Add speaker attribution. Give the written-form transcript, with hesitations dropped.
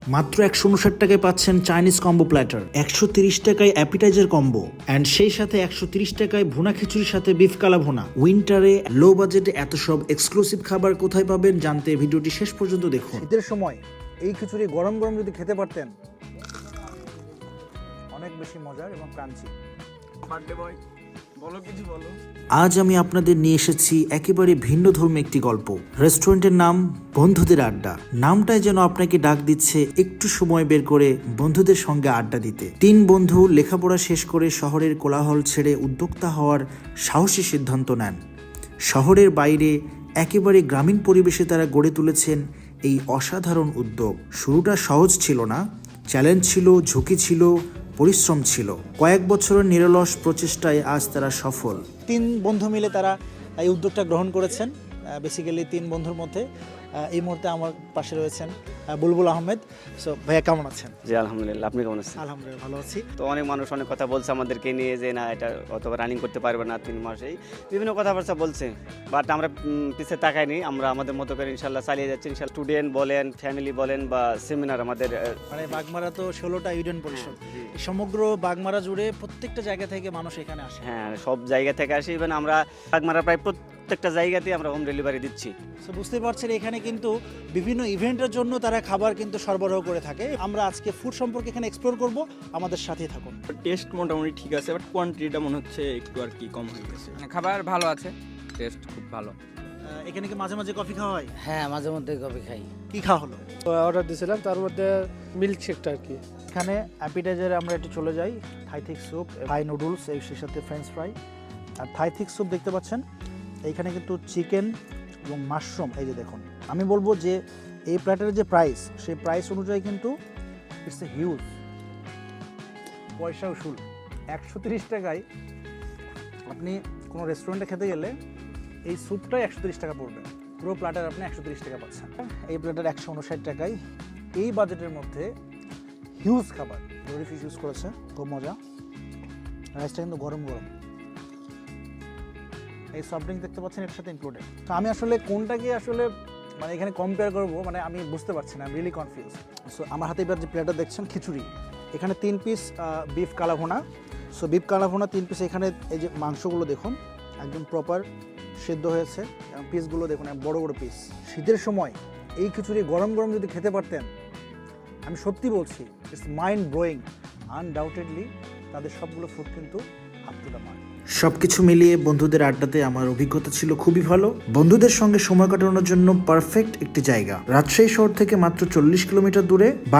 Speaker 1: মাত্র 159 টাকায় পাচ্ছেন চাইনিজ কম্বো প্ল্যাটার, 130 টাকায় অ্যাপিটাইজার কম্বো, অ্যান্ড সেই সাথে 130 টাকায় ভুনা খিচুড়ির সাথে বিফ কালা ভুনা। উইন্টারে লো বাজেটে এত সব এক্সক্লুসিভ খাবার কোথায় পাবেন জানতে ভিডিওটি শেষ পর্যন্ত দেখুন।
Speaker 2: শীতের সময় এই খিচুড়ি গরম গরম যদি খেতে পারতেন, অনেক বেশি মজার এবং ক্রাঞ্চি।
Speaker 1: আজ আমি আপনাদের নিয়ে এসেছি একেবারে ভিন্ন ধর্মী একটি গল্প। রেস্টুরেন্টের নাম বন্ধুদের আড্ডা। নামটাই যেন আপনাকে ডাক দিচ্ছে একটু সময় বের করে বন্ধুদের সঙ্গে আড্ডা দিতে। 3 বন্ধু লেখাপড়া শেষ করে শহরের কোলাহল ছেড়ে উদ্যোক্তা হওয়ার সাহসী সিদ্ধান্ত নেন। শহরের বাইরে একেবারে গ্রামীণ পরিবেশে তারা গড়ে তুলেছেন এই অসাধারণ উদ্যোগ। শুরুটা সহজ ছিল না, চ্যালেঞ্জ ছিল, ঝুঁকি ছিল, পরিশ্রম ছিল। কয়েক বছরের নিরলস প্রচেষ্টায় আজ তারা সফল।
Speaker 2: 3 বন্ধু মিলে তারা এই উদ্যোগটা গ্রহণ করেছেন। বেসিক্যালি 3 বন্ধুর মধ্যে এই মুহূর্তে আমার পাশে রয়েছেন বুলবুল আহমেদ। সো ভাইয়া কেমন আছেন?
Speaker 3: জি আলহামদুলিল্লাহ, আপনি কেমন আছেন?
Speaker 2: আলহামদুলিল্লাহ ভালো আছি।
Speaker 3: তো অনেক মানুষ অনেক কথা বলছে আমাদেরকে নিয়ে যে না এটা অত রানিং করতে পারবে না 3 মাসেই, বিভিন্ন কথাবার্তা বলছে, বাট আমরা পিছিয়ে তাকাইনি। আমরা আমাদের মতো করে ইনশাল্লাহ চালিয়ে যাচ্ছি। ইনশাল্লাহ স্টুডেন্ট বলেন, ফ্যামিলি বলেন বা সেমিনার আমাদের
Speaker 2: মানে বাগমারা তো 16টা ইউনিয়ন পরিষদ, সমগ্র বাগমারা জুড়ে প্রত্যেকটা জায়গা থেকে মানুষ এখানে আসে।
Speaker 3: হ্যাঁ সব জায়গা থেকে আসি। ইভেন আমরা বাগমারা প্রায় প্রত্যেকটা জায়গাতেই আমরা হোম ডেলিভারি দিচ্ছি।
Speaker 2: সো বুঝতে পারছেন এখানে কিন্তু বিভিন্ন ইভেন্টের জন্য তারা খাবার কিন্তু সরবরাহ করে থাকে। আমরা আজকে ফুড সম্পর্কে এখানে এক্সপ্লোর করব, আমাদের সাথেই থাকুন।
Speaker 4: টেস্ট মোটামুটি ঠিক আছে, বাট কোয়ান্টিটিটা মনে হচ্ছে একটু আর কি কম হয়ে গেছে।
Speaker 5: খাবার ভালো আছে, টেস্ট খুব ভালো।
Speaker 2: এখানে কি মাঝে মাঝে কফি খাওয়া হয়?
Speaker 6: হ্যাঁ, মাঝে মধ্যে কফি খাই।
Speaker 2: কি খাওয়া হলো?
Speaker 7: অর্ডার দিয়েছিলাম, তার মধ্যে মিল্ক শেকটা আর কি।
Speaker 2: এখানে অ্যাপিটাইজারে আমরা একটু চলে যাই। Thai thick soup, Thai noodles, এর সাথে ফ্রেঞ্চ ফ্রাই আর থাই থিক স্যুপ দেখতে পাচ্ছেন। এইখানে কিন্তু চিকেন এবং মাশরুম, এই যে দেখুন। আমি বলবো যে এই প্ল্যাটারের যে প্রাইস, সেই প্রাইস অনুযায়ী কিন্তু ইটস এ হিউজ। পয়সা উসুল। 130 টাকায় আপনি কোনো রেস্টুরেন্টে খেতে গেলে এই স্যুপটাই 130 টাকা পড়বে। পুরো প্ল্যাটার আপনি 130 টাকা পাচ্ছেন। এই প্ল্যাটার 159 টাকায় এই বাজেটের মধ্যে হিউজ খাবার। ডোরি ফিশ ইউজ করেছে, খুব মজা। রাইসটা কিন্তু গরম গরম। এই সফট ড্রিঙ্ক দেখতে পাচ্ছেন এর সাথে ইনক্লুডেড। তো আমি আসলে কোনটাকে আসলে মানে এখানে কম্পেয়ার করবো, মানে আমি বুঝতে পারছি না, রিয়েলি কনফিউজ। সো আমার হাতে এবার যে প্লেটার দেখছেন খিচুড়ি, এখানে 3 পিস বিফ কালা ভুনা। সো বিফ কালা ভুনা 3 পিস। এখানে এই যে মাংসগুলো দেখুন একদম প্রপার সেদ্ধ হয়েছে এবং পিসগুলো দেখুন বড় বড় পিস। শীতের সময় এই খিচুড়ি গরম গরম যদি খেতে পারতেন, আমি সত্যি বলছি ইটস মাইন্ড ব্লোয়িং। আনডাউটেডলি তাদের সবগুলো ফুড কিন্তু আপ টু দ্য মার্ক।
Speaker 1: সবকিছু মিলিয়ে বন্ধুদের আড্ডাতে আমার অভিজ্ঞতা ছিল খুবই ভালো। বন্ধুদের সঙ্গে সময় কাটানোর জন্য পারফেক্ট একটি জায়গা। রাজশাহী শহর থেকে মাত্র 40 কিলোমিটার দূরে